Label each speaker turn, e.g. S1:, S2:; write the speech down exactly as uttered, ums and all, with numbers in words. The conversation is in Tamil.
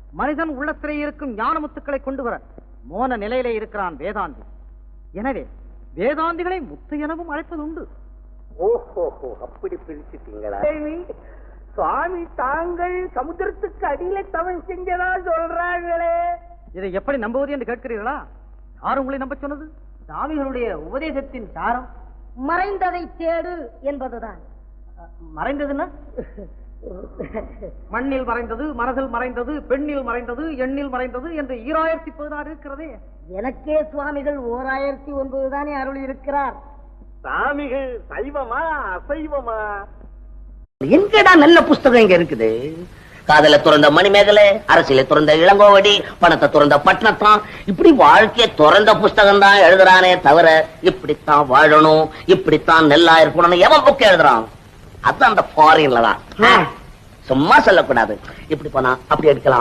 S1: மனிதன் உள்ளத்திலே இருக்கும் ஞான முத்துக்களை கொண்டு வர மோன நிலையிலே இருக்கிறான் வேதாந்தி. எனவே வேதாந்திகளை முத்து எனவும் அழைப்பது உண்டு.
S2: ஓஹோ, அப்படி பிரிச்சுட்டீங்களா? சுவாமி தாங்கள் சமுத்திரத்துக்கு அடியில தவம் செஞ்சதா சொல்றாங்களே,
S1: இதை எப்படி நம்புவது என்று கேட்கிறீர்களா? யார் உங்களை நம்ப சொன்னது?
S2: சுவாமிகளுடைய உபதேசத்தின் சாரம்
S3: மறைந்ததை தேடு என்பதுதான்.
S2: மறைந்ததுன்னா
S1: மண்ணில் மறைந்தது, மனதில் மறைந்தது, பெண்ணில் மறைந்தது, எண்ணில் மறைந்தது என்று ஈராயிரத்தி பதினாறு இருக்கிறதே.
S3: எனக்கே சுவாமிகள் ஓர் ஆயிரத்தி ஒன்பது தானே அருள் இருக்கிறார்.
S2: சாமிகள் சைவமா அசைவமா?
S4: எங்கடா நல்ல புஸ்தகம் இங்க இருக்குது? காதல துறந்த மணிமேகலை, அரசியல துறந்த இளங்கோவடி, பணத்தை துறந்த பட்டணத்தான், இப்படி வாழ்க்கைய துறந்த புஸ்தகம் தான் எழுதுறானே தவிர இப்படித்தான் வாழணும், இப்படித்தான் நெல்லா இருக்கணும்னு எவன் புக் எழுதுறான்? அது அந்த ஃபாரின்ல தான். சும்மா சொல்லக்கூடாது. இப்படி போனா அப்படி எடுக்கலாம்,